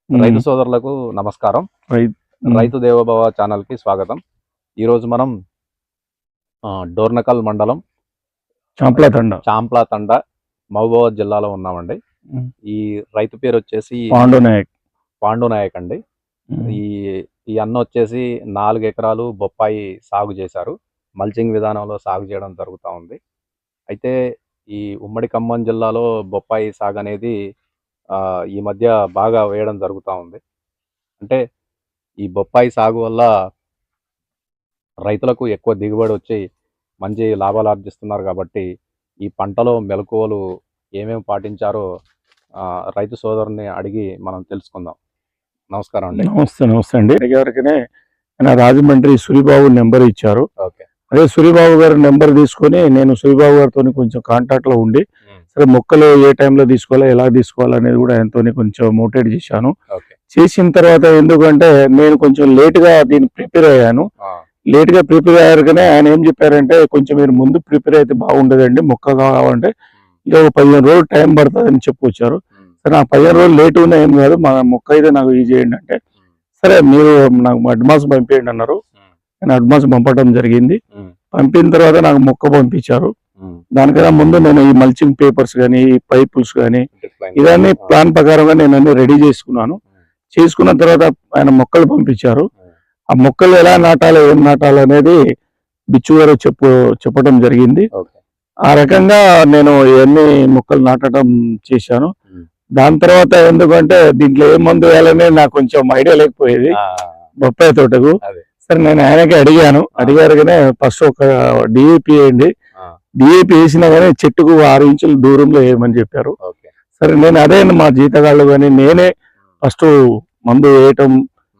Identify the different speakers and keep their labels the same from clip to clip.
Speaker 1: రైతు సోదరులకు నమస్కారం. రైతు దేవోభవ ఛానల్ కి స్వాగతం. ఈ రోజు మనం డోర్నకల్ మండలం చాంప్లా తండ మహబూబాబాద్ జిల్లాలో ఉన్నామండి. ఈ రైతు పేరు వచ్చేసి పాండునాయక్ అండి. ఈ అన్న వచ్చేసి 4 ఎకరాలు బొప్పాయి సాగు చేశారు. మల్చింగ్ విధానంలో సాగు చేయడం జరుగుతూ ఉంది. అయితే ఈ ఉమ్మడి ఖమ్మం జిల్లాలో బొప్పాయి సాగు అనేది ఈ మధ్య బాగా వేయడం జరుగుతూ ఉంది. అంటే ఈ బొప్పాయి సాగు వల్ల రైతులకు ఎక్కువ దిగుబడి వచ్చి మంచి లాభాలు ఆర్జిస్తున్నారు. కాబట్టి ఈ పంటలో మెలకువలు ఏమేమి పాటించారో రైతు సోదరుని అడిగి మనం తెలుసుకుందాం. నమస్కారం అండి.
Speaker 2: నమస్తే అండి. ఎవరికైనా రాజమండ్రి సూరిబాబు నెంబర్ ఇచ్చారు. అదే సూరిబాబు గారి నెంబర్ తీసుకొని నేను సూరిబాబు గారితో కొంచెం కాంటాక్ట్ లో ఉండి సరే మొక్కలు ఏ టైంలో తీసుకోవాలా ఎలా తీసుకోవాలా అనేది కూడా ఆయనతో కొంచెం మోటివేట్ చేశాను. చేసిన తర్వాత ఎందుకంటే నేను కొంచెం లేట్ గా దీన్ని ప్రిపేర్ అయ్యాను. లేట్ గా ప్రిపేర్ అయ్యారు కానీ ఆయన ఏం చెప్పారంటే కొంచెం మీరు ముందు ప్రిపేర్ అయితే బాగుండదండి, మొక్క కావాలంటే ఇంకా 15 రోజులు టైం పడుతుంది అని చెప్పుకొచ్చారు. సరే ఆ 15 రోజులు లేట్ ఉన్నా ఏం కాదు, మా మొక్క అయితే నాకు ఇది చేయండి అంటే సరే మీరు నాకు అడ్వాన్స్ పంపించండి అన్నారు. నేను అడ్వాన్స్ పంపడం జరిగింది. పంపిన తర్వాత నాకు మొక్క పంపించారు. దానికన్నా ముందు నేను ఈ మల్చింగ్ పేపర్స్ కానీ ఈ పైపుల్స్ కానీ ఇవన్నీ ప్లాన్ ప్రకారంగా నేను అన్ని రెడీ చేసుకున్నాను. చేసుకున్న తర్వాత ఆయన మొక్కలు పంపించారు. ఆ మొక్కలు ఎలా నాటాలో ఏం నాటాలో అనేది బిచ్చు గారు చెప్పడం జరిగింది. ఆ రకంగా నేను ఇవన్నీ మొక్కలు నాటడం చేశాను. దాని తర్వాత ఎందుకంటే దీంట్లో ఏ మందు వేయాలనే నాకు కొంచెం ఐడియా లేకపోయేది బొప్పాయి తోటకు. సరే నేను ఆయనకి అడిగారు కానీ ఫస్ట్ ఒక డిఏపి వేయండి, డిఏపి వేసినా కానీ చెట్టుకు 6 ఇంచుల దూరంలో వేయమని చెప్పారు. సరే నేను అదే మా జీతగాళ్ళు కానీ నేనే ఫస్ట్ మందు వేయటం,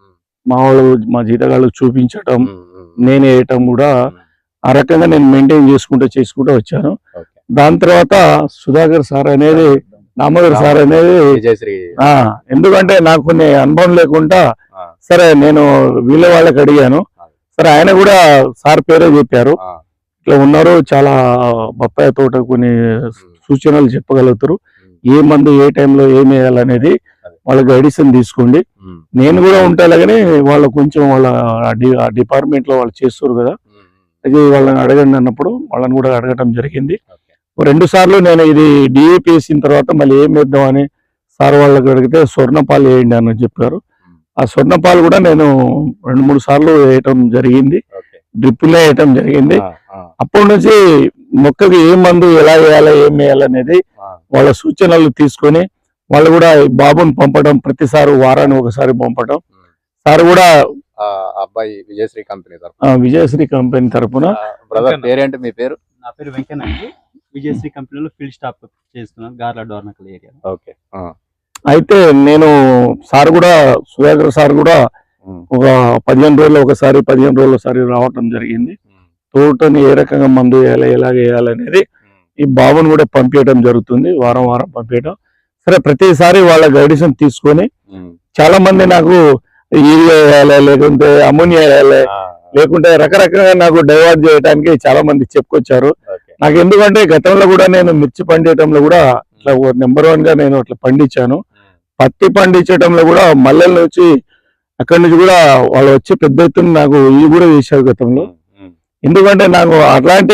Speaker 2: మా జీతగాళ్ళకు చూపించటం, నేనే వేయటం కూడా ఆ రకంగా నేను మెయింటైన్ చేసుకుంటూ వచ్చాను. దాని తర్వాత సుధాకర్ సార్ అనేది దామోదర్ సార్ అనేది ఎందుకంటే నాకు కొన్ని అనుభవం లేకుండా సరే నేను వీళ్ళ వాళ్ళకి అడిగాను. సరే ఆయన కూడా సార్ పేరే చెప్పారు, ఇట్లా ఉన్నారు చాలా బొప్పాయి తోట కొన్ని సూచనలు చెప్పగలుగుతారు, ఏ మందు ఏ టైంలో ఏం వేయాలనేది వాళ్ళ గైడెన్స్ తీసుకోండి. నేను కూడా ఉంటాను కానీ వాళ్ళు కొంచెం వాళ్ళ డిపార్ట్మెంట్ లో వాళ్ళు చేస్తారు కదా, అది వాళ్ళని అడగండి అన్నప్పుడు వాళ్ళని కూడా అడగటం జరిగింది. 2 సార్లు నేను ఇది డిఏపి వేసిన తర్వాత మళ్ళీ ఏం వేద్దామని సార్ వాళ్ళకి అడిగితే స్వర్ణపాలు వేయండి అని చెప్పారు. ఆ స్వర్ణపాలు కూడా నేను 2-3 సార్లు వేయటం జరిగింది, డ్రిప్పులే వేయటం జరిగింది. అప్పటి నుంచి మొక్కకి ఏ మందు ఎలా వేయాలా ఏం వేయాలనేది వాళ్ళ సూచనలు తీసుకొని వాళ్ళు కూడా బాబుని పంపడం, ప్రతిసారి వారానికి ఒకసారి పంపడం. సార్ కూడా
Speaker 1: అబ్బాయి విజయశ్రీ
Speaker 2: కంపెనీ తరఫున.
Speaker 1: పేరేంటి మీ పేరు?
Speaker 3: నా పేరు వెంకన్న అండి. విజయశ్రీ కంపెనీలో ఫీల్డ్ స్టాఫ్ చేస్తున్నాను గార్ల డోర్నకల్ ఏరియా.
Speaker 1: ఓకే.
Speaker 2: అయితే నేను సార్ కూడా సుధాకర్ సార్ కూడా ఒక 15 రోజులు ఒకసారి 15 రోజులు ఒకసారి రావటం జరిగింది. తోటని ఏ రకంగా మందు వేయాలి ఎలాగ వేయాలనేది ఈ బాబుని కూడా పంపించడం జరుగుతుంది, వారం పంపించడం. సరే ప్రతిసారి వాళ్ళ గైడెన్స్ తీసుకొని చాలా మంది నాకు యూరియా వేయాలి లేకుంటే అమోనియా వేయాలి లేకుంటే రకరకాలుగా నాకు డైవర్ట్ చేయడానికి చాలా మంది చెప్పుకొచ్చారు. నాకు ఎందుకంటే గతంలో కూడా నేను మిర్చి పండించడంలో కూడా ఇట్లా నెంబర్ 1 గా నేను అట్లా పండించాను. పత్తి పండించడంలో కూడా మల్లెల నుంచి అక్కడి నుంచి కూడా వాళ్ళు వచ్చి పెద్ద ఎత్తున నాకు ఇవి కూడా చేశారు గతంలో. ఎందుకంటే నాకు అట్లాంటి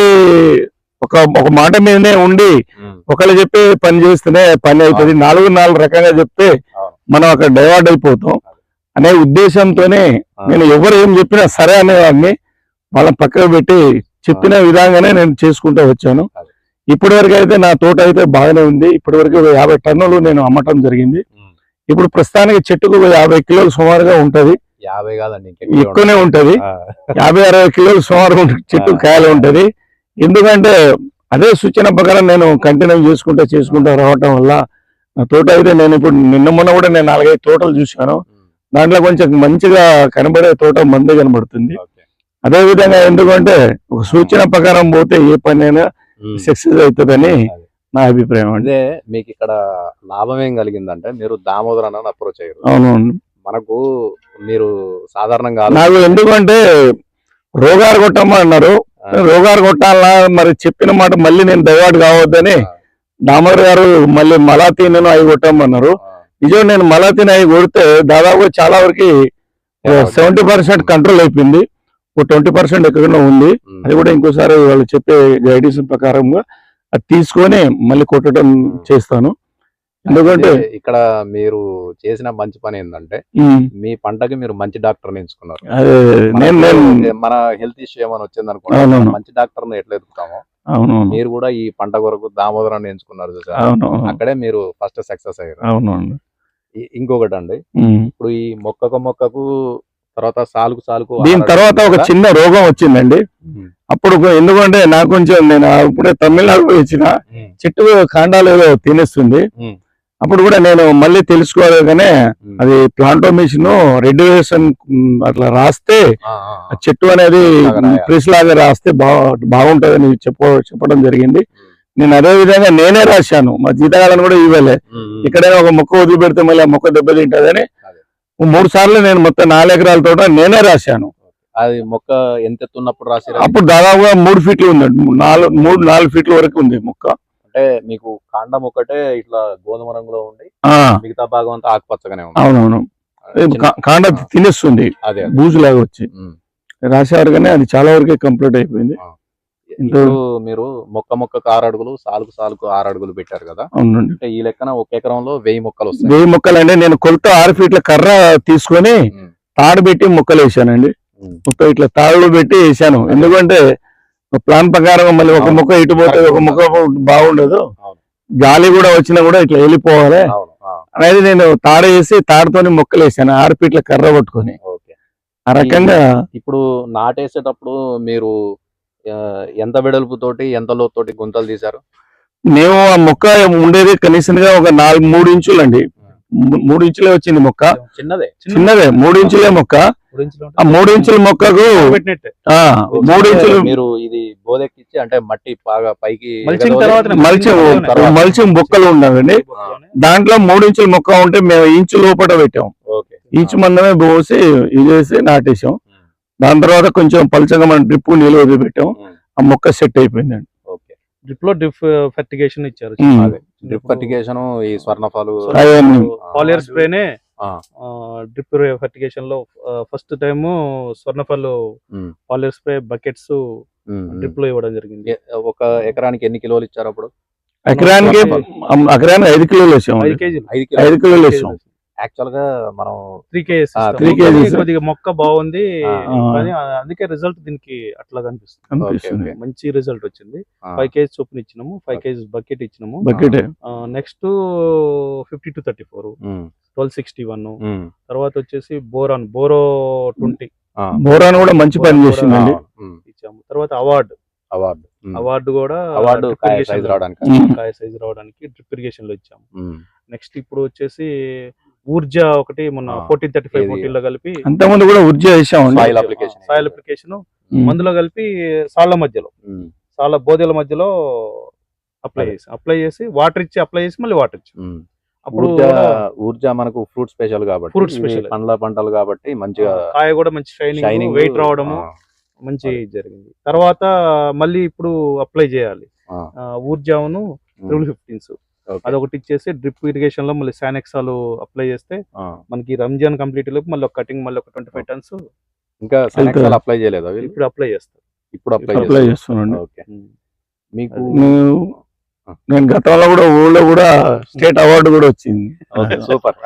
Speaker 2: ఒక మాట మీదనే ఉండి ఒకళ్ళు చెప్పి పని చేస్తేనే పని అవుతుంది, 4 రకంగా చెప్తే మనం అక్కడ డైవర్ట్ అయిపోతాం అనే ఉద్దేశంతోనే నేను ఎవరు ఏం చెప్పినా సరే అనేవాడిని వాళ్ళని పక్కకు పెట్టి చెప్పిన విధంగానే నేను చేసుకుంటూ వచ్చాను. ఇప్పటి వరకు అయితే నా తోట అయితే బాగానే ఉంది. ఇప్పటి వరకు 50 టన్నులు నేను అమ్మటం జరిగింది. ఇప్పుడు ప్రస్తుతానికి చెట్టుకు 50 కిలోలు సుమారుగా ఉంటది,
Speaker 1: 50 కాదండి
Speaker 2: ఎక్కువనే ఉంటది, 50-60 కిలోలు సుమారుగా చెట్టు కాయలు ఉంటది. ఎందుకంటే అదే సూచన ప్రకారం నేను కంటిన్యూ చేసుకుంటూ రావటం వల్ల నా తోట అయితే నేను ఇప్పుడు నిన్న మొన్న కూడా నేను 4-5 తోటలు చూశాను. దాంట్లో కొంచెం మంచిగా కనబడే తోట మందే కనబడుతుంది. అదే విధంగా ఎందుకంటే ఒక సూచన ప్రకారం పోతే ఏ పని అయినా సక్సెస్ అవుతుందని నా అభిప్రాయం.
Speaker 1: అంటే మీకు ఇక్కడ లాభం ఏం కలిగిందంటే మీరు దామోదర్ అన్న అప్రోచ్ అయ్యారు.
Speaker 2: అవునవును.
Speaker 1: మనకు మీరు సాధారణంగా
Speaker 2: నాకు ఎందుకంటే రోగాలు కొట్టమన్నారు, రోగాలు కొట్టాలా మరి చెప్పిన మాట మళ్ళీ నేను డైవర్ట్ కావద్దని దామోదర్ గారు మళ్ళీ మలాతీనను అవి కొట్టమన్నారు. నిజం నేను మలాతిని అవి కొడితే దాదాపుగా చాలా వరకు 70% కంట్రోల్ అయిపోయింది. ఒక 20% ఎక్కడో ఉంది. అది కూడా ఇంకోసారి వాళ్ళు చెప్పే గైడెన్స్ ప్రకారంగా అది తీసుకొని మళ్ళీ కొట్టడం చేస్తాను. ఎందుకంటే
Speaker 1: ఇక్కడ మీరు చేసిన మంచి పని ఏంటంటే మీ పంటకి మీరు మంచి డాక్టర్ ఎంచుకున్నారు. మన హెల్త్ ఇష్యూ ఏమైనా వచ్చింది అనుకో, మంచి డాక్టర్ ఎట్లా ఎదుగుతామో మీరు కూడా ఈ పంట కొరకు దామోదరాన్ని ఎంచుకున్నారు చూసారు. అక్కడే మీరు ఫస్ట్ సక్సెస్ అయ్యారు. ఇంకొకటి అండి, ఇప్పుడు ఈ మొక్కకు తర్వాత సాలుకు
Speaker 2: దీని తర్వాత ఒక చిన్న రోగం వచ్చిందండి. అప్పుడు ఎందుకంటే నాకు కొంచెం నేను ఇప్పుడే తమిళనాడు వచ్చిన చెట్టు కాండాలు ఏదో తినేస్తుంది. అప్పుడు కూడా నేను మళ్ళీ తెలుసుకోగానే అది ప్లాంటోమిషన్ రెడ్ వేషన్ అట్లా రాస్తే చెట్టు అనేది ప్రెస్ లాగా రాస్తే బాగుంటుందని చెప్పడం జరిగింది. నేను అదే విధంగా నేనే రాశాను. మా జీతగాలను కూడా ఇవ్వలే. ఎక్కడైనా ఒక మొక్క వదిలిపెడితే మళ్ళీ ఆ మొక్క దెబ్బతింటదని 3 సార్లు నేను మొత్తం 4 ఎకరాల తోట నేనే రాశాను.
Speaker 1: అది మొక్క ఎంత ఎత్తున్నప్పుడు రాశారు?
Speaker 2: అప్పుడు దాదాపుగా 3 ఫీట్లు ఉందండి. 4 ఫీట్ల వరకు ఉంది మొక్క.
Speaker 1: అంటే మీకు కాండం ఒకటే ఇట్లా గోధుమ రంగులో ఉండి మిగతా భాగం అంతా ఆకుపచ్చగానే ఉంది.
Speaker 2: అవునవును, కాండ తినేస్తుంది బూజులాగా వచ్చి రాసేవారు, కానీ అది చాలా వరకే కంప్లీట్ అయిపోయింది.
Speaker 1: మీరు మొక్కకు 6 అడుగులు సాలుకు 6 అడుగులు పెట్టారు కదా. అంటే ఈ లెక్కన ఒక ఎకరంలో 1000 మొక్కలు వస్తాయి.
Speaker 2: 1000 మొక్కలు అంటే నేను కొలత 6 ఫీట్ల కర్ర తీసుకొని తాడు పెట్టి మొక్కలు వేసానండి. మొత్తం ఇట్లా తాడులు పెట్టి వేసాను. ఎందుకంటే ప్లాన్ ప్రకారం మళ్ళీ ఒక మొక్క ఇటు పోతే ఒక మొక్క బాగుండదు, గాలి కూడా వచ్చినా కూడా ఇట్లా వెళ్ళిపోవాలి అనేది నేను తాడు వేసి తాడుతోని మొక్కలు వేసాను 6 ఫీట్ల కర్ర పట్టుకొని. ఆ రకంగా
Speaker 1: ఇప్పుడు నాటేసేటప్పుడు మీరు ఎంత వెడల్పుతోటి ఎంత లోతుతోటి గుంతలు తీశారు?
Speaker 2: మేము ఆ మొక్క ఉండేది కనీసంగా ఒక 3 ఇంచులు అండి. 3 ఇంచులే వచ్చింది మొక్క. చిన్నదే 3 ఇంచులే మొక్క. ఆ 3 ఇంచుల మొక్కకు 3 ఇంచులు
Speaker 1: మీరు ఇది బోదెక్కిచ్చి అంటే మట్టి బాగా పైకి
Speaker 2: మల్చింగ్ బొక్కలు ఉన్నాయండి. దాంట్లో 3 ఇంచుల మొక్క ఉంటే మేము ఇంచు లోపల పెట్టాం. ఇంచు మందమే పోసి ఇది చేసి నాటేసాం. దాని తర్వాత కొంచెం పలుచగా మనం డ్రిప్ నీళ్ళు వదిలి పెట్టాం. ఆ మొక్క సెట్ అయిపోయిందండి.
Speaker 3: డ్రిప్ లో డ్రిప్ ఫెర్టిగేషన్ ఇచ్చారు.
Speaker 1: డ్రిప్ ఫెర్టిగేషన్ ఈ స్వర్ణఫాలు
Speaker 3: పాలియర్ స్ప్రేనే డ్రిప్ ఫెర్టిగేషన్ లో ఫస్ట్ టైం స్వర్ణఫాలు పాలియర్ స్ప్రే బకెట్స్ డ్రిప్ లో ఇవ్వడం జరిగింది.
Speaker 1: ఒక ఎకరానికి ఎన్ని కిలోలు ఇచ్చారు అప్పుడు?
Speaker 2: ఎకరానికి 5 కిలోలు వేసాం. 5 కిలోలు వేసాం.
Speaker 1: యాక్చువల్ గా మనం
Speaker 3: 3 kg కొద్దిగా మొక్క బాగుంది, అందుకే రిజల్ట్ దీనికి అట్లా కనిపిస్తుంది. మంచి రిజల్ట్ వచ్చింది. 5 kg చొప్పున ఇచ్చినాము, 5 kg బకెట్ ఇచ్చినాము. నెక్స్ట్ 5234 1261 తర్వాత వచ్చేసి బోరో 20
Speaker 2: బోరాన్ కూడా మంచి పని చేసిందండి
Speaker 3: ఇచ్చాము. తర్వాత అవార్డు కూడా కాయ సైజ్ రావడానికి డ్రిప్ ఇరిగేషన్ లో ఇచ్చాము. నెక్స్ట్ ఇప్పుడు వచ్చేసి ఊర్జా ఒకటి మొన్న 1435 లో కలిపి
Speaker 2: అంతకుముందు కూడా ఊర్జా వేసాము.
Speaker 3: సాయిల్ అప్లికేషన్ మందులో కలిపి సాళ్ళ బోదెల మధ్యలో అప్లై చేసి వాటర్ ఇచ్చి మళ్ళీ వాటర్ ఇచ్చి అప్పుడు
Speaker 1: ఊర్జా మనకు ఫ్రూట్ స్పెషల్ కాబట్టి పంటలు కాబట్టి మంచిగా
Speaker 3: కాయ కూడా మంచి షైనింగ్ వెయిట్ రావడము మంచి జరిగింది. తర్వాత మళ్ళీ ఇప్పుడు అప్లై చేయాలి ఊర్జాను 15 అదొకటి ఇచ్చేసి డ్రిప్ ఇరిగేషన్ లో మళ్ళీ సానెక్సాలు అప్లై చేస్తే మనకి రంజాన్ కంప్లీట్ లోపు మళ్ళీ ఒక కటింగ్ మళ్ళీ ఒక 25 టన్స్
Speaker 1: ఇంకా అప్లై చేయలేదు.
Speaker 3: ఇప్పుడు అప్లై చేస్తారు.
Speaker 1: ఇప్పుడు
Speaker 2: అప్లై చేస్తున్నాను.
Speaker 1: మీకు
Speaker 2: నేను గతంలో కూడా ఊళ్ళో కూడా స్టేట్ అవార్డు కూడా వచ్చింది.
Speaker 1: సూపర్.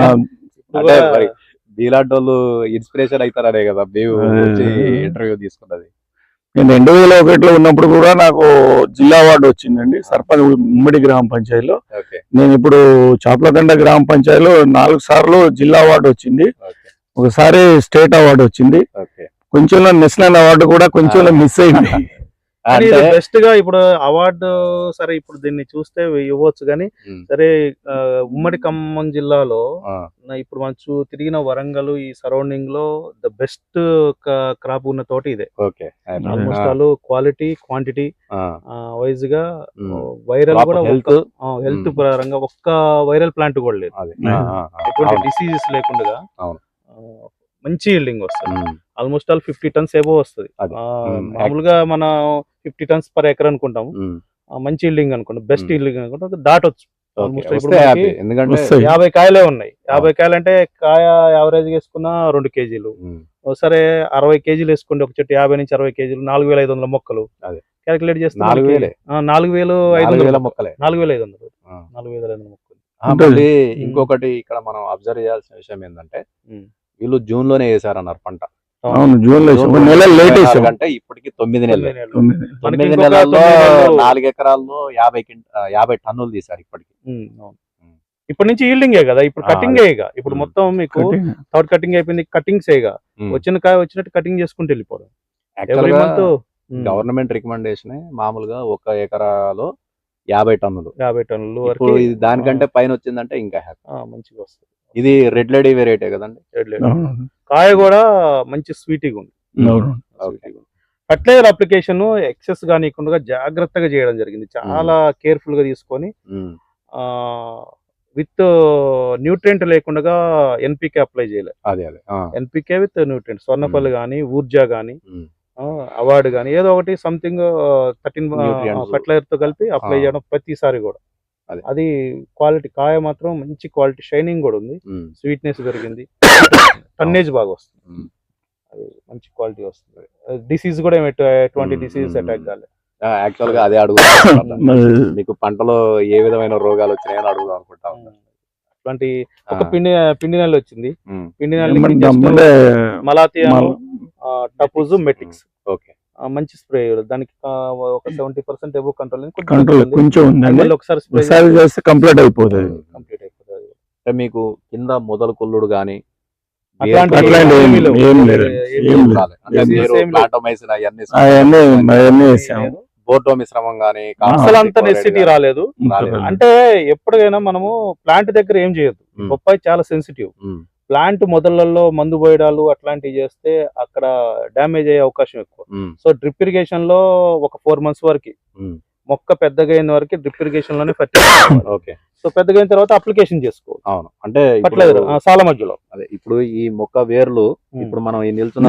Speaker 1: మీలాంటి వాళ్ళు ఇన్స్పిరేషన్ అవుతారనే కదా మేము ఇంటర్వ్యూ తీసుకున్నది.
Speaker 2: నేను 2001లో ఉన్నప్పుడు కూడా నాకు జిల్లా అవార్డు వచ్చిందండి సర్పంచ్ ఉమ్మడి గ్రామ పంచాయతీలో. నేను ఇప్పుడు చాప్లతండ గ్రామ పంచాయతీలో 4 సార్లు జిల్లా అవార్డు వచ్చింది, ఒకసారి స్టేట్ అవార్డు వచ్చింది, కొంచెం నేషనల్ అవార్డు కూడా కొంచెం మిస్ అయింది.
Speaker 3: బెస్ట్ గా ఇప్పుడు అవార్డు సరే ఇప్పుడు దీన్ని చూస్తే ఇవ్వచ్చు కానీ సరే ఉమ్మడి ఖమ్మం జిల్లాలో ఇప్పుడు మనం తిరిగిన వరంగల్ ఈ సరౌండింగ్ లో ద బెస్ట్ క్రాప్ ఉన్న తోట ఇదే. Almost all quality quantity wise గా వైరల్ కూడా హెల్త్ పరంగా ఒక్క వైరల్ ప్లాంట్ కూడా లేదు, ఎటువంటి డిసీజెస్ లేకుండా మంచి ఈల్డింగ్ వస్తుంది. ఆల్మోస్ట్ ఆల్ 50 టన్స్ ఏవో వస్తుంది. మామూలుగా మనం 50 టన్స్ పర్ ఎకర్ అనుకుంటాము, మంచి ఈల్డింగ్ అనుకుంటాం, బెస్ట్ ఈల్డింగ్ అనుకుంటాం. డాట్ Almost ఇప్పుడు
Speaker 1: వస్తే
Speaker 3: మనకి
Speaker 1: హ్యాపీ, ఎందుకంటే
Speaker 2: వస్తాయి.
Speaker 3: 50 కాయలే ఉన్నాయి. 50 కాయలు అంటే కాయ యావరేజ్ వేసుకున్న 2 కేజీలు. సరే 60 కేజీలు వేసుకోండి, ఒక చెట్టు 50 నుంచి 60 కేజీలు, 4500 మొక్కలు.
Speaker 1: అదే.
Speaker 3: క్యాలిక్యులేట్ చేస్తే
Speaker 1: 4000
Speaker 3: 4500
Speaker 1: మొక్కలే.
Speaker 3: 4500
Speaker 1: ఆ.
Speaker 3: 4500 మొక్కలు.
Speaker 1: మళ్ళీ ఇంకొకటి ఇక్కడ మనం అబ్జర్వ్ చేయాల్సిన విషయం ఏంటంటే వీళ్ళు జూన్ లోనే వేసారన్నారు పంట.
Speaker 2: అవును, జూన్ లో వేసాం. ఒక నెల లేట్ వేసాం.
Speaker 1: అంటే ఇప్పటికి 9 నెలలు. 9
Speaker 3: ఇంకొక
Speaker 1: నెలల్లో
Speaker 3: 9 నెలలు
Speaker 1: 4 ఎకరాల్లో 50 టన్నులు తీశారు ఇప్పటికి.
Speaker 3: అవును. ఇప్పటి నుంచి ఈల్డింగే కదా, ఇప్పుడు కటింగ్ ఇక ఇప్పుడు మొత్తం మీకు
Speaker 2: కటింగ్.
Speaker 3: థర్డ్ కటింగ్ అయిపోయింది, కటింగ్స్ ఇక వచ్చిన కాయ వచ్చినట్టు కటింగ్ చేసుకుంటూ వెళ్ళిపోవడం. ఎవ్రీ మంత్
Speaker 1: గవర్నమెంట్ రికమెండేషన్ మామూలుగా 1 ఎకరాలో 50 టన్నులు.
Speaker 3: 50 టన్నులు వరకు
Speaker 1: ఇప్పుడు ఇది దానికంటే పైన వచ్చిందంటే ఇంకా హ్యాపీ.
Speaker 3: మంచిగా వస్తుంది.
Speaker 1: ఇది రెడ్ లేడీ వెరైటీ కదండి.
Speaker 2: అవును.
Speaker 3: కాయ కూడా మంచి స్వీటీగా ఉంది.
Speaker 2: అవును.
Speaker 3: ఫర్టిలైజర్ అప్లికేషన్ ఎక్సెస్ గా నీకుండా జాగ్రత్తగా చేయడం జరిగింది, చాలా కేర్ఫుల్ గా తీసుకొని విత్ న్యూట్రియంట్ లేకుండా ఎన్పికే అప్లై చేయలేదు.
Speaker 1: అదే
Speaker 3: ఎన్పికే విత్ న్యూట్రియంట్, స్వర్ణపల్లి కానీ ఊర్జా కానీ అవార్డు కానీ ఏదో ఒకటి సంథింగ్ 13
Speaker 1: Nutrients.
Speaker 3: ఫర్టిలైజర్ తో కలిపి అప్లై చేయడం ప్రతిసారి కూడా. అది క్వాలిటీ, కాయ మాత్రం మంచి క్వాలిటీ, షైనింగ్ కూడా ఉంది, స్వీట్నెస్ పెరిగింది, టన్నేజ్ బాగా వస్తుంది, అది మంచి క్వాలిటీ వస్తుంది. డిసీజ్ కూడా ఎటువంటి డిసీజ్ అటాక్ కాలేదు.
Speaker 1: యాక్చువల్ గా అదే అడుగుతాను, మీకు పంటలో ఏ విధమైన రోగాలు వచ్చినాయని అడుగుదాం అనుకుంటా ఉన్నాను.
Speaker 3: అట్లాంటి ఒక పిండి నెల వచ్చింది, పిండి నెల
Speaker 2: దమ్ముంటే
Speaker 3: మలాతియా టఫుజ్ మెటిక్స్
Speaker 1: ఓకే,
Speaker 3: మంచి స్ప్రే, దానికి ఒక 70% ఎబో కంట్రోల్
Speaker 2: కొంచెం ఉందండి.
Speaker 3: ఒకసారి
Speaker 2: ఒకసారి చేస్తే కంప్లీట్ అయిపోతుంది.
Speaker 3: కంప్లీట్ అయిపోతుంది.
Speaker 1: అంటే మీకు కింద మొదలు కుళ్ళుడు గానీ
Speaker 2: అట్లాంటి ఏం లేదు. అవన్నీ వేసాము.
Speaker 1: బోర్డో మిశ్రమం గానీ
Speaker 3: అసలు అంత నెసిటీ రాలేదు. అంటే ఎప్పటికైనా మనము ప్లాంట్ దగ్గర ఏం చేయొద్దు, బొప్పాయి చాలా సెన్సిటివ్. ప్లాంట్ మొదళ్లలో మందు పోయడాలు అట్లాంటివి చేస్తే అక్కడ డ్యామేజ్ అయ్యే అవకాశం ఎక్కువ. సో డ్రిప్ ఇరిగేషన్ లో ఒక 4 months వరకు మొక్క పెద్దగా అయిన వరకు డ్రిప్ ఇరిగేషన్ లోనే ఫర్టిలైజర్.
Speaker 1: ఓకే,
Speaker 3: సో పెద్దగా అయిన తర్వాత అప్లికేషన్ చేసుకోవాలి.
Speaker 1: అవును, అంటే
Speaker 3: ఫర్టిలైజర్ సాల మధ్యలో.
Speaker 1: అదే ఇప్పుడు ఈ మొక్క వేర్లు ఇప్పుడు మనం ఈ నిల్చున్న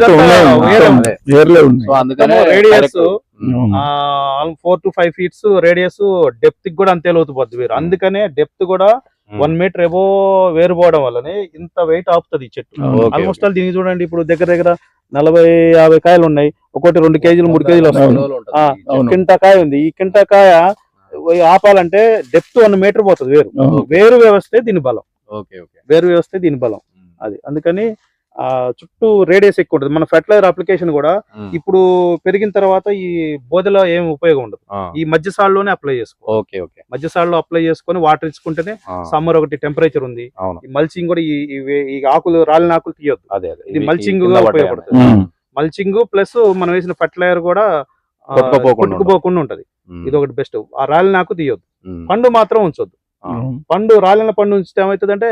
Speaker 1: సో అందుకనే
Speaker 3: radius 4 to 5 feet radius, depth కూడా అంతే లోతు పోద్ది వేరు. అందుకనే డెప్త్ కూడా 1 meter ఎబో వేరు పోవడం వల్లనే ఇంత వెయిట్ ఆపుతుంది ఈ చెట్టు. ఆల్మోస్ట్ ఆల్ దీనికి చూడండి, ఇప్పుడు దగ్గర 40-50 కాయలు ఉన్నాయి, ఒకటి 2 కేజీలు 3 కేజీలు వస్తాయి. కింటకాయ ఉంది, ఈ కింటకాయ ఆపాలంటే డెప్త్ 1 meter పోతుంది వేరు. వేరు వ్యవస్థే దీని బలం, వేరు వ్యవస్థే దీని బలం. అది అందుకని చుట్టూ రేడియస్ ఎక్కువ ఉంటుంది. మన ఫర్టిలైజర్ అప్లికేషన్ కూడా ఇప్పుడు పెరిగిన తర్వాత ఈ బోధలో ఏం ఉపయోగం ఉండదు, ఈ మధ్య సాల్లోనే అప్లై చేసుకో. మధ్య సాల్లో అప్లై చేసుకొని వాటర్ ఇచ్చుకుంటేనే, సమ్మర్ ఒకటి టెంపరేచర్ ఉంది, మల్చింగ్ కూడా ఈ ఆకులు రాలిన ఆకులు తీయొద్దు, ఇది మల్చింగ్ గా ఉపయోగపడుతుంది. మల్చింగ్ ప్లస్ మనం వేసిన ఫర్టిలైజర్ కూడా కొట్టుకుపోకుండా ఉంటది, ఇది ఒకటి బెస్ట్. ఆ రాలిన ఆకు తీయొద్దు, పండు మాత్రం ఉంచొద్దు. రాలిన పండు ఉంచితే ఏమవుతుందంటే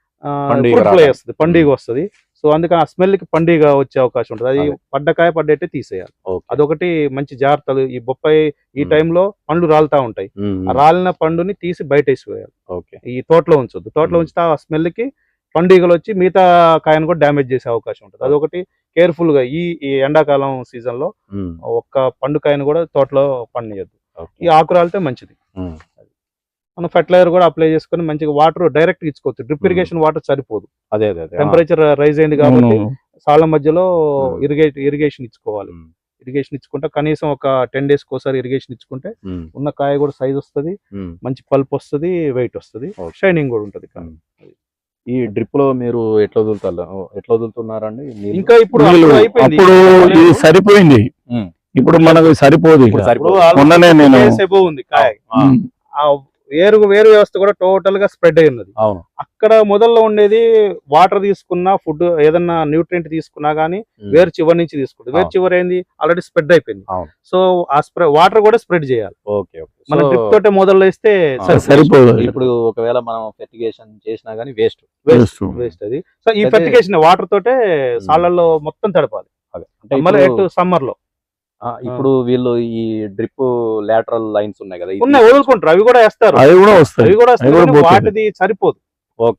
Speaker 3: పండుగ వస్తుంది. సో అందుకని ఆ స్మెల్ కి పండుగ వచ్చే అవకాశం ఉంటుంది. అది పడ్డకాయ పడ్డట్టే తీసేయాలి. అదొకటి మంచి జాగ్రత్తలు. ఈ బొప్పాయి ఈ టైంలో పండ్లు రాలుతా ఉంటాయి, ఆ రాలిన పండుని తీసి బయట వేసిపోయాలి, ఈ తోటలో ఉంచొద్దు. తోటలో ఉంచితే ఆ స్మెల్ కి పండుగలు వచ్చి మిగతా కాయను కూడా డ్యామేజ్ చేసే అవకాశం ఉంటుంది. అదొకటి కేర్ఫుల్ గా ఈ ఎండాకాలం సీజన్ లో ఒక్క పండుకాయను కూడా తోటలో పండియద్దు. ఈ ఆకు రాలితే మంచిది. మనం ఫర్టిలైజర్ కూడా అప్లై చేసుకుని మంచిగా వాటర్ డైరెక్ట్ ఇచ్చుకోవచ్చు. డ్రిప్ ఇరిగేషన్ వాటర్ సరిపోదు, టెంపరేచర్ రైజ్ అయింది కాబట్టి సాల మధ్యలో ఇరిగేషన్ ఇచ్చుకోవాలి. ఇరిగేషన్ ఇచ్చుకుంటే కనీసం ఒక 10 days ఒకసారి ఇరిగేషన్ ఇచ్చుకుంటే ఉన్న కాయ కూడా సైజ్ వస్తుంది, మంచి పల్ప్ వస్తుంది, వెయిట్ వస్తుంది, షైనింగ్ కూడా ఉంటుంది.
Speaker 1: ఈ డ్రిప్ లో మీరు ఎట్లా వదులుతున్నారండి?
Speaker 3: ఇంకా ఇప్పుడు
Speaker 2: సరిపోయింది, ఇప్పుడు మనకు సరిపోదు.
Speaker 3: ఉంది కాయ, వేరు వ్యవస్థ కూడా టోటల్ గా స్ప్రెడ్ అయి ఉన్నది. అక్కడ మొదల్లో ఉండేది వాటర్ తీసుకున్నా, ఫుడ్ ఏదన్నా న్యూట్రియంట్ తీసుకున్నా గానీ వేరు చివరి నుంచి తీసుకుంటుంది. వేరు చివరి ఏంది ఆల్రెడీ స్ప్రెడ్ అయిపోయింది. సో ఆ వాటర్ కూడా స్ప్రెడ్ చేయాలి. మన డ్రిప్ తోటే మొదలు వేస్తే
Speaker 2: సరిపోదు.
Speaker 1: ఇప్పుడు ఒకవేళ మనం ఫెర్టిగేషన్ చేసినా గానీ వేస్ట్
Speaker 3: అది. సో ఈ ఫెర్టిగేషన్ వాటర్ తోటే సాలల్లో మొత్తం తడపాలి సమ్మర్ లో.
Speaker 1: ఇప్పుడు వీళ్ళు ఈ డ్రిప్ లాటరల్ లైన్స్ ఉన్నాయి కదా,
Speaker 3: వదులుకుంటారు, అవి కూడా వేస్తారు, అవి కూడా వాటిది సరిపోదు.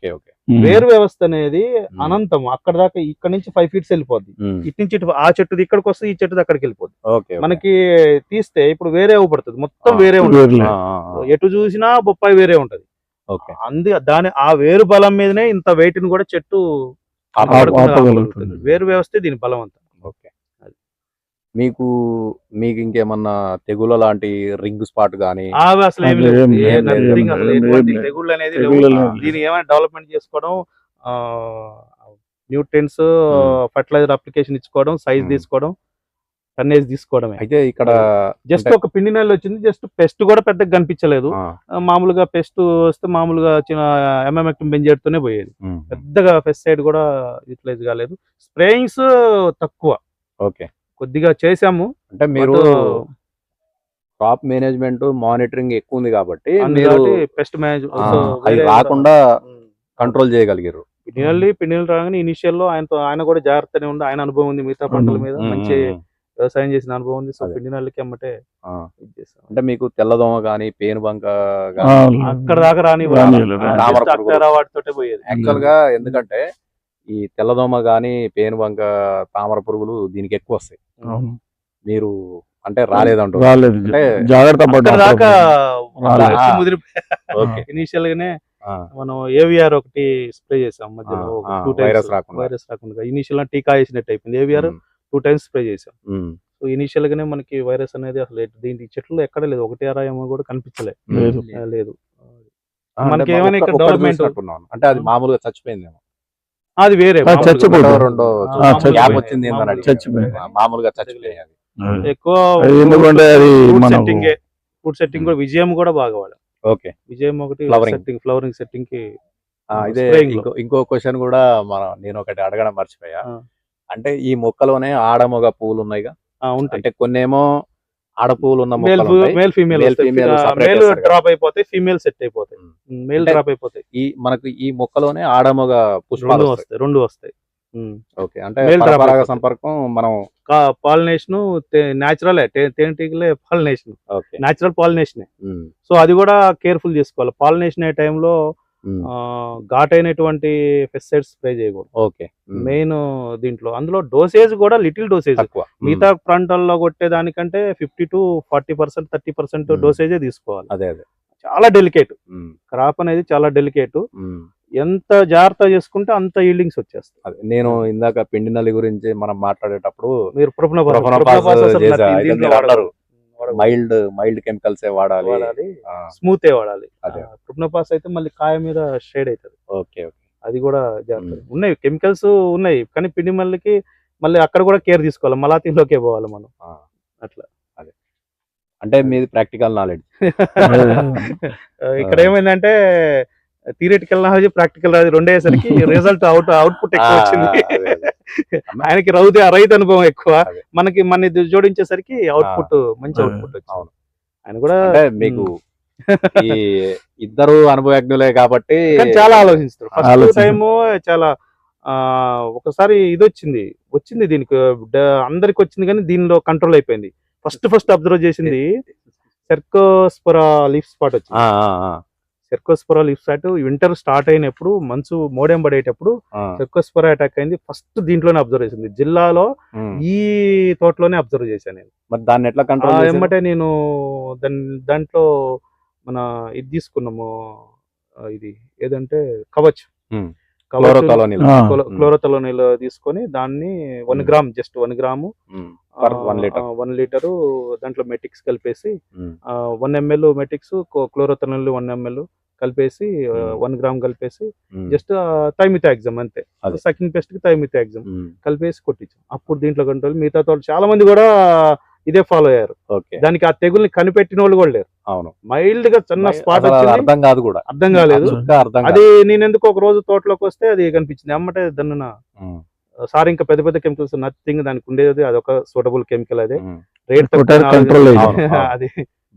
Speaker 3: వేరు వ్యవస్థ అనేది అనంతం. అక్కడ దాకా ఇక్కడ నుంచి 5 feet వెళ్ళిపోద్ది. ఇటు నుంచి ఇటు ఆ చెట్టుది ఇక్కడికి వస్తే ఈ చెట్టుది అక్కడికి వెళ్ళిపోద్ది.
Speaker 1: ఓకే
Speaker 3: మనకి తీస్తే ఇప్పుడు వేరే అవ్వబడుతుంది, మొత్తం వేరే ఉంటుంది. ఎటు చూసినా బొప్పాయి వేరే ఉంటది.
Speaker 1: ఓకే
Speaker 3: ఆ వేరు బలం మీదనే ఇంత వెయిట్ ని కూడా చెట్టు
Speaker 2: ఆపగలుగుతుంది.
Speaker 3: వేరు వ్యవస్థే దీని బలం అంతా.
Speaker 1: ఓకే మీకు ఇంకేమన్నా తెగుల లాంటి రింగ్ స్పాట్ గానీ
Speaker 3: అవి అసలు ఏం లేవు.
Speaker 2: ఏం
Speaker 3: ఏ
Speaker 2: లేదు,
Speaker 3: nothing
Speaker 2: ఏం
Speaker 3: అసలు
Speaker 2: లేదు,
Speaker 3: ఎటువంటి
Speaker 2: ఏం లేదు.
Speaker 3: తెగుళ్ళు అనేది
Speaker 2: తెగుళ్ళు
Speaker 3: లేవు.
Speaker 2: లేదు.
Speaker 3: దీన్ని ఏమైనా డెవలప్మెంట్ చేసుకోవడం, న్యూట్రియన్స్, ఫర్టిలైజర్ అప్లికేషన్ ఇచ్చుకోవడం, సైజ్ తీసుకోవడం, టన్నేజ్ తీసుకోవడమే.
Speaker 1: అయితే ఇక్కడ
Speaker 3: జస్ట్ ఒక పిండి నెల వచ్చింది, జస్ట్ పెస్ట్ కూడా పెద్దగా కనిపించలేదు. మామూలుగా పెస్ట్ వస్తే మామూలుగా చిన్న ఎంఎంఎక్టిన్ బెంజేట్తోనే పోయేది. పెద్దగా పెస్టిసైడ్ కూడా యూటిలైజ్ కాలేదు. స్ప్రేయింగ్స్ తక్కువ,
Speaker 1: ఓకే
Speaker 3: కొద్దిగా చేసాము.
Speaker 1: అంటే మీరు క్రాప్ మేనేజ్మెంట్ మానిటరింగ్ ఎక్కువ ఉంది కాబట్టి మీరు
Speaker 3: పెస్ట్ మేనేజ్
Speaker 1: అది రాకుండా కంట్రోల్ చేయగలిగారు.
Speaker 3: పిండిలు రాగానే ఇనిషియల్ లో ఆయన కూడా జాగ్రత్తనే ఉంది. ఆయన అనుభవం ఉంది, మిగతా పంటల మీద మంచి వ్యవసాయం చేసిన అనుభవం ఉంది. సో పిండి నెలలకి అమ్మటే
Speaker 1: అంటే మీకు తెల్లదోమ గానీ పేను బంక
Speaker 3: అక్కడ దాకా రాని వాటితోటే పోయేది
Speaker 1: యాక్చువల్ గా. ఎందుకంటే ఈ తెల్లదోమ గానీ పేను బంక తామర పురుగులు దీనికి ఎక్కువ వస్తాయి. మీరు అంటే రాలేదంటారు.
Speaker 2: రాలేదు,
Speaker 1: అంటే
Speaker 2: జాగ్రత్త
Speaker 3: దాకా
Speaker 1: ఓకే
Speaker 3: ఇనిషియల్ గానే మనం ఏవిఆర్ ఒకటి స్ప్రే చేసాం మధ్యలో, 2 times
Speaker 1: వైరస్
Speaker 3: రాకుండా. ఇనిషియల్ టీకా వేసినట్టు అయిపోయింది. ఏవిఆర్ 2 times స్ప్రే చేసాం. సో ఇనిషియల్ గానే మనకి వైరస్ అనేది అసలు దీని చెట్లు ఎక్కడ లేదు. ఒకటి అరాయమో కూడా కనిపించలేదు. మనకి ఏమైనా ఇక్కడ డెవలప్మెంట్
Speaker 1: అంటే అది మామూలుగా చచ్చిపోయిందేమో.
Speaker 3: అది వేరే
Speaker 1: రెండో గ్యాప్ వచ్చింది ఏందని
Speaker 2: చచ్చిపోయింది.
Speaker 1: మామూలుగా చచ్చిపోయింది.
Speaker 3: ఎక్కువ
Speaker 2: ఎందుకంటే అది
Speaker 3: ఫుడ్ సెట్టింగ్ కూడా విజయం కూడా బాగా వాడాం.
Speaker 1: ఓకే
Speaker 3: విజయం ఒకటి ఫ్లవరింగ్ సెట్టింగ్ కి.
Speaker 1: ఇదే ఇంకో క్వశ్చన్ కూడా నేను ఒకటి అడగడం మర్చిపోయా. అంటే ఈ మొక్కలోనే ఆడమొగ పూలు ఉన్నాయిగా
Speaker 3: ఉంటాయి.
Speaker 1: అంటే కొన్నేమో ఆడపూలు ఉన్న
Speaker 3: మేల్ ఫీమేల్ డ్రాప్ అయిపోతాయి, ఫీమేల్ సెట్ అయిపోతాయి, మేల్ డ్రాప్ అయిపోతాయి.
Speaker 1: మనకు ఈ మొక్కలోనే ఆడమొగ పుష్పాలు వస్తాయి,
Speaker 3: 2 వస్తాయి.
Speaker 1: ఓకే అంటే పరాగ సంపర్కం మనం
Speaker 3: పాలినేషన్ న్యాచురల్ తేనెటీగలే pollination,
Speaker 1: okay
Speaker 3: natural pollination. So అది కూడా కేర్ఫుల్ చేసుకోవాలి. పాలినేషన్ అయ్యే టైంలో ఘాట్ అయినటువంటి పెస్టిసైడ్స్ స్ప్రే చేయకూడదు.
Speaker 1: ఓకే
Speaker 3: మెయిన్ దీంట్లో అందులో డోసేజ్ కూడా లిటిల్ డోసేజ్. మిగతా ప్రాంతాల్లో కొట్టే దానికంటే 50 to 40%, 30% డోసేజే తీసుకోవాలి.
Speaker 1: అదే అదే
Speaker 3: చాలా డెలికేట్ క్రాప్ అనేది, చాలా డెలికేట్. ఎంత జాగ్రత్త చేసుకుంటే అంత ఈల్డింగ్స్ వచ్చేస్తాయి.
Speaker 1: అదే నేను ఇందాక పిండి నల్లి గురించి మనం మాట్లాడేటప్పుడు
Speaker 3: మీరు
Speaker 1: మైల్డ్ కెమికల్స్ వాడాలి,
Speaker 3: స్మూత్ వాడాలి. ప్రొపనోపాస్ అయితే మళ్ళీ కాయ మీద షేడ్ అవుతుంది.
Speaker 1: ఓకే
Speaker 3: అది కూడా జాగ్రత్త. ఉన్నాయి కెమికల్స్ ఉన్నాయి, కానీ పిండి మల్లికి మళ్ళీ అక్కడ కూడా కేర్ తీసుకోవాలి. మలాతీలోకే పోవాలి మనం. అట్లా
Speaker 1: అదే అంటే మీది ప్రాక్టికల్ నాలెడ్జ్.
Speaker 3: ఇక్కడ ఏమైందంటే థియరిటికల్ నాలెడ్జ్, ప్రాక్టికల్ నాలెడ్జ్ రెండేసరికి రిజల్ట్ అవుట్పుట్ ఎక్కువ వచ్చింది. ఆయనకి రైతు అనుభవం ఎక్కువ, మనకి మన జోడించేసరికి అవుట్పుట్ మంచి అవుట్పుట్ వచ్చింది. ఆయన కూడా
Speaker 1: మీకు ఈ ఇద్దరు అనుభవజ్ఞులే కాబట్టి
Speaker 3: చాలా ఆలోచిస్తారు. ఫస్ట్ టైం చాలా ఒకసారి ఇది వచ్చింది దీనికి అందరికి వచ్చింది, కానీ దీనిలో కంట్రోల్ అయిపోయింది. ఫస్ట్ అబ్జర్వ్ చేసింది సెర్కోస్పోరా లీఫ్ స్పాట్ వచ్చింది. Cercospora leaf spot winter start అయినప్పుడు, మంచు మోడెం పడేటప్పుడు సెర్కోస్పోరా అటాక్ అయింది. ఫస్ట్ దీంట్లోనే అబ్జర్వ్ చేసింది. జిల్లాలో ఈ తోటలోనే అబ్జర్వ్ చేశాను నేను.
Speaker 1: మరి దాన్ని ఎట్లా కంట్రోల్
Speaker 3: ఏమంటే నేను దాంట్లో మన ఇది తీసుకున్నాము, ఇది ఏదంటే కవచ్, క్లోరోథలోనిల్ తీసుకొని దాన్ని 1 గ్రామ్, జస్ట్ 1 గ్రాము 1 లీటరు దాంట్లో మెటిక్స్ కలిపేసి 1 ml మెటిక్స్, క్లోరోథలోనిల్ 1 ml కలిపేసి 1 గ్రామ్ కలిపేసి జస్ట్ థైమిథాక్సమ్ అంతే, సకింగ్ పెస్ట్ కి థైమిథాక్సమ్ కలిపేసి కొట్టించాం. అప్పుడు దీంట్లో కంట్రోల్. మిగతా తోట చాలా మంది కూడా ఇదే ఫాలో అయ్యారు. దానికి ఆ తెగుల్ని కనిపెట్టిన వాళ్ళు కూడా లేరు.
Speaker 1: అవును,
Speaker 3: మైల్డ్ గా చిన్న స్పాట్ అర్థం కాలేదు. అది నేను ఎందుకు ఒక రోజు తోటలోకి వస్తే అది కనిపించింది. అమ్మటే దాన్ని సార్ ఇంకా పెద్ద పెద్ద కెమికల్స్ నథింగ్, దానికి ఉండేది అది ఒక సూటబుల్ కెమికల్. అదే రేట్ అది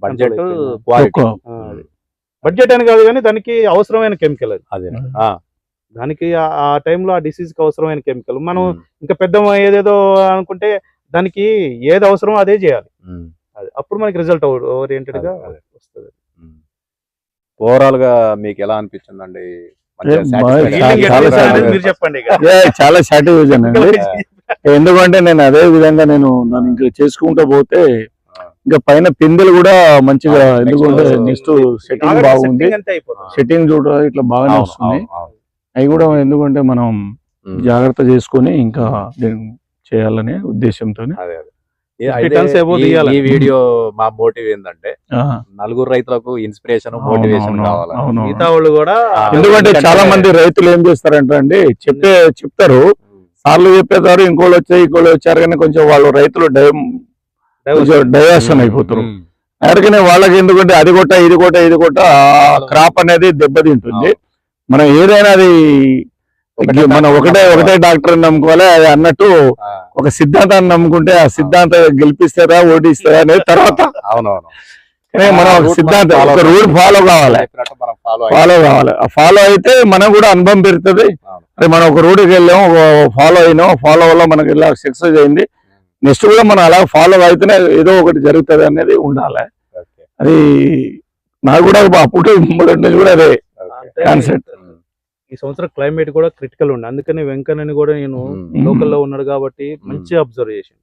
Speaker 3: బడ్జెట్ అని కాదు, కానీ దానికి అవసరమైన కెమికల్ అది. దానికి ఆ టైంలో ఆ డిసీజ్ కి అవసరమైన కెమికల్. మనం ఇంకా పెద్ద ఏదేదో అనుకుంటే దానికి ఏది అవసరమో అదే చేయాలి. అది అప్పుడు మనకి రిజల్ట్ ఓరియంటెడ్ గా వస్తుంది.
Speaker 1: ఓవరాల్ గా మీకు ఎలా అనిపించిందండి మంచిగా
Speaker 2: బాగా
Speaker 1: satisfied
Speaker 2: చాలా-
Speaker 1: గా
Speaker 2: చాలా
Speaker 1: చేశారు.
Speaker 2: satisfied.
Speaker 3: మీరు చెప్పండి ఇక.
Speaker 2: చాలా సాటిస్ఫాక్షన్ అండి. ఎందుకంటే నేను అదే విధంగా నేను దాన్ని ఇంకా చేసుకుంటూ పోతే ఇంకా పైన పిందెలు కూడా మంచిగా,
Speaker 1: next
Speaker 2: ఎందుకంటే నెక్స్ట్ సెట్టింగ్
Speaker 3: ఆగండి,
Speaker 2: బాగుంది,
Speaker 3: setting అంతే అయిపోతుంది.
Speaker 2: సెట్టింగ్ చూడ ఇట్లా బాగానే
Speaker 1: అవును,
Speaker 2: వస్తుంది.
Speaker 1: అవును, అవును.
Speaker 2: అవి కూడా ఎందుకంటే మనం
Speaker 1: ఉమ్.
Speaker 2: జాగ్రత్త చేసుకొని ఇంకా దీన్ని చేయాలనే ఉద్దేశంతో
Speaker 1: అదే అదే.
Speaker 3: 50
Speaker 1: అయితే
Speaker 3: tons above
Speaker 1: ఈ
Speaker 3: తీయాలి.
Speaker 1: వీడియో మా మోటివ్ ఏంటంటే నలుగురు రైతులకు ఇన్స్పిరేషన్ మోటివేషన్ కావాలి.
Speaker 3: మిగతా వాళ్ళు కూడా
Speaker 2: ఎందుకంటే చాలా మంది రైతులు ఏం చేస్తారంటే అండి, చెప్తారు, సార్లు చెప్పేదారు, ఇంకోళ్ళు వచ్చారు కానీ కొంచెం వాళ్ళు రైతులు డైవర్షన్ అయిపోతారు. అందుకనే వాళ్ళకి ఎందుకంటే అది కొట్ట ఇది కొట్ట క్రాప్ అనేది దెబ్బతింటుంది. మనం ఏదైనా అది మనం ఒకటే డాక్టర్ నమ్ముకోవాలి. అది అన్నట్టు ఒక సిద్ధాంతాన్ని నమ్ముకుంటే ఆ సిద్ధాంతం గెలిపిస్తారా ఓడిస్తారా అనేది తర్వాత.
Speaker 1: అవునవును.
Speaker 2: కానీ మనం ఒక సిద్ధాంతం, ఒక రూల్ ఫాలో కావాలి. ఆ ఫాలో అయితే మనకు కూడా అనుభవం పెరుగుతుంది. అదే మనం ఒక రూట్కి వెళ్ళాం, ఫాలో అయినాం, ఫాలో వల్ల మనకి ఇలా సక్సెస్ అయింది, నెక్స్ట్ కూడా మనం అలా ఫాలో అయితేనే ఏదో ఒకటి జరుగుతుంది అనేది ఉండాలి. అది నాకు కూడా అప్పుడు మొదటి నుంచి కూడా అదే కాన్సెప్ట్.
Speaker 3: ఈ సంవత్సరం క్లైమేట్ కూడా క్రిటికల్ ఉండే, అందుకని వెంకన్నని కూడా నేను లోకల్ లో ఉన్నాడు కాబట్టి మంచి అబ్జర్వ్ చేశాను.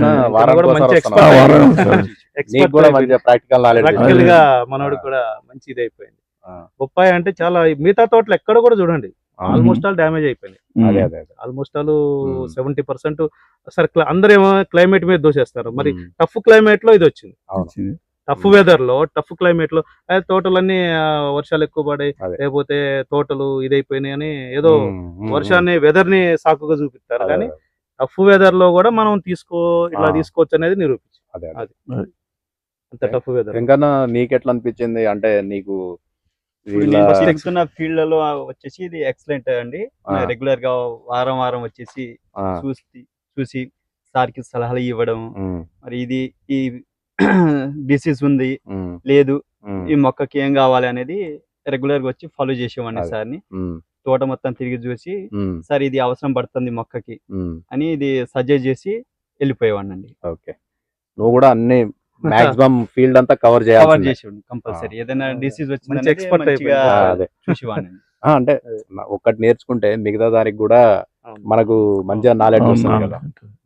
Speaker 3: ప్రాక్టికల్ గా మనోడు కూడా మంచి ఇది అయిపోయింది. బొప్పాయి అంటే చాలా మిగతా తోటలు ఎక్కడ కూడా చూడండి ఆల్మోస్ట్ ఆల్ డ్యామేజ్ అయిపోయింది. Almost all 70%. సరే అందరేమో క్లైమేట్ మీద దోషేస్తారు, మరి టఫ్ క్లైమేట్ లో ఇది వచ్చింది. టఫ్ వెదర్ లో, టఫ్ క్లైమేట్ లో తోటలన్నీ వర్షాలు ఎక్కువ పడాయి, లేకపోతే తోటలు ఇదైపోయినాయి అని ఏదో వర్షాన్ని వెదర్ ని సాకుగా చూపిస్తారు. కానీ టఫ్ వెదర్ లో కూడా మనం ఇలా తీసుకోవచ్చు అనేది నిరూపించి అది అంత టఫ్ వెదర్.
Speaker 1: ఇంకా నీకు ఎట్లా అనిపించింది అంటే నీకు
Speaker 4: చెప్తున్న ఫీల్డ్ లలో వచ్చేసి ఇది ఎక్సలెంట్ అండి. రెగ్యులర్ గా వారం వచ్చేసి చూసి సార్కి సలహాలు ఇవ్వడం, మరి ఇది ఈ డిసీజ్ ఉంది లేదు, ఈ మొక్కకి ఏం కావాలి అనేది రెగ్యులర్ గా వచ్చి ఫాలో చేసేవాడిని సార్ని. తోట మొత్తం తిరిగి చూసి సార్ ఇది అవసరం పడుతుంది మొక్కకి అని ఇది సజెస్ట్ చేసి వెళ్ళిపోయేవాడిని అండి.
Speaker 1: ఓకే, నువ్వు కూడా అన్ని మాక్సిమం ఫీల్డ్ అంతా కవర్
Speaker 4: చేసేవాడిని కంపల్సరీ. ఏదైనా డిసీజ్ వచ్చింది
Speaker 3: ఎక్స్పర్ట్
Speaker 4: చూసేవాడిని.
Speaker 1: అంటే ఒక్కటి నేర్చుకుంటే మిగతా దానికి కూడా మనకు మంచిగా నాలెడ్జ్ వస్తుంది కదా.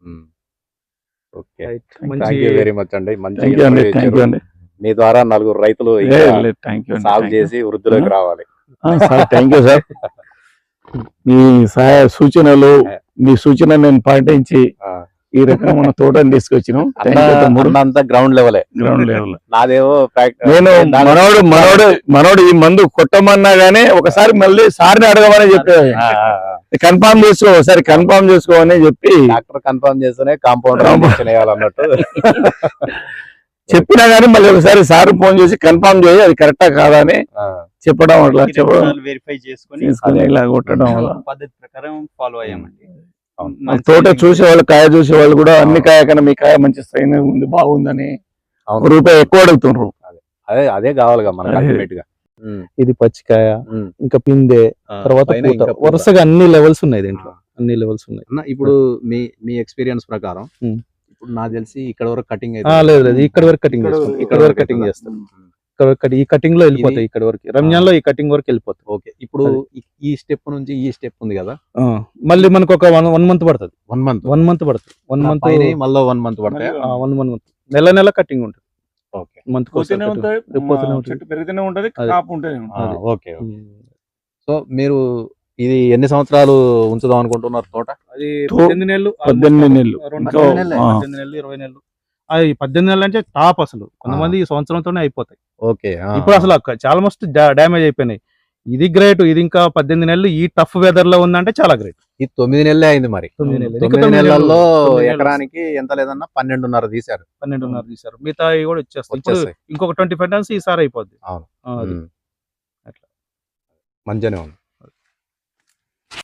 Speaker 1: Okay, thank you very much అండి. మంచిగా మీ ద్వారా నలుగురు రైతులు సాగు చేసి వృద్ధిలోకి రావాలి.
Speaker 2: Thank you sir. మీ సూచనలు, మీ సూచన నేను పాటించి ఈ రకంగా మన తోటని తీసుకొచ్చినాం.
Speaker 1: అంతా గ్రౌండ్ లెవెల్. నాదేమో
Speaker 2: నేను మనోడు ఈ మందు కొట్టమన్నా గానీ ఒకసారి మళ్ళీ సార్ని అడగమని చెప్పేది, కన్ఫర్మ్ చేసుకో, ఒకసారి కన్ఫర్మ్ చేసుకోమని చెప్పి
Speaker 1: డాక్టర్ కన్ఫర్మ్ చేస్తేనే కాంపౌండర్ వేయాలన్నట్టు
Speaker 2: చెప్పినా గానీ మళ్ళీ ఒకసారి సార్ ఫోన్ చేసి కన్ఫర్మ్ చేయి అది కరెక్టా కాదా అని చెప్పడం, అట్లా చెప్పడం,
Speaker 4: వెరిఫై చేసుకొని
Speaker 2: ఇలా కొట్టడం వల్ల
Speaker 4: పద్ధతి ప్రకారం ఫాలో అయ్యామండి.
Speaker 2: తోట చూసేవాళ్ళు, కాయ చూసేవాళ్ళు కూడా అన్ని కాయ కన్నా మీ కాయ మంచి స్ట్రైన్ ఉంది, బాగుందని రూపాయి ఎక్కువ అడుగుతున్నారు.
Speaker 1: అదే కావాలిగా మనకి అల్టిమేట్ గా.
Speaker 3: ఇది పచ్చికాయ, ఇంకా పిందె, తర్వాత వరుసగా అన్ని లెవెల్స్ ఉన్నాయి దీంట్లో, అన్ని లెవెల్స్ ఉన్నాయి.
Speaker 1: ఇప్పుడు మీ ఎక్స్పీరియన్స్ ప్రకారం ఇప్పుడు నాకు తెలిసి ఇక్కడ వరకు కటింగ్
Speaker 3: లేదు, ఇక్కడ వరకు కటింగ్ చేస్తాం, ఇక్కడ వరకు కటింగ్ చేస్తాం, ఈ కటింగ్ లో వెళ్ళిపోతాయి, ఇక్కడ వరకు రంజాన్ లో ఈ కటింగ్ వరకు వెళ్ళిపోతాయి.
Speaker 1: ఓకే, ఇప్పుడు ఈ స్టెప్ నుంచి ఈ స్టెప్ ఉంది కదా,
Speaker 3: మళ్ళీ మనకు ఒక 1 month పడుతుంది.
Speaker 1: 1 month
Speaker 3: పడుతుంది. 1 month
Speaker 1: మళ్ళీ 1 month పడతాయి.
Speaker 3: 1 month నెల కటింగ్ ఉంటుంది.
Speaker 1: ఓకే,
Speaker 3: మంత్
Speaker 2: పెరుగుతూనే ఉంటది, కాపు ఉంటుంది.
Speaker 1: ఓకే, సో మీరు ఇది ఎన్ని సంవత్సరాలు ఉంచుదాం అనుకుంటున్నారు తోట?
Speaker 3: అది 18 నెలలు,
Speaker 2: 18 నెలలు,
Speaker 3: 20 నెలలు. 18 నెలలు అంటే టాప్. అసలు కొంతమంది ఈ సంవత్సరంతోనే అయిపోతాయి.
Speaker 1: ఓకే,
Speaker 3: ఇప్పుడు అసలు చాలా మస్ట్ డ్యామేజ్ అయిపోయినాయి. ఇది గ్రేట్. ఇది ఇంకా 18 నెలలు ఈ టఫ్ వెదర్ లో ఉందంటే చాలా గ్రేట్.
Speaker 1: ఇది 9 నెలలే అయింది. మరి 9 నెలల్లో ఎకరానికి ఎంత లేదన్నా 12.5 తీశారు.
Speaker 3: 12.5 తీశారు. మిగతా కూడా వచ్చేస్తాయి. ఇంకొక 25 tons ఈసారి అయిపోద్ది.
Speaker 1: అవును, అట్లా మంచిగానే ఉంది.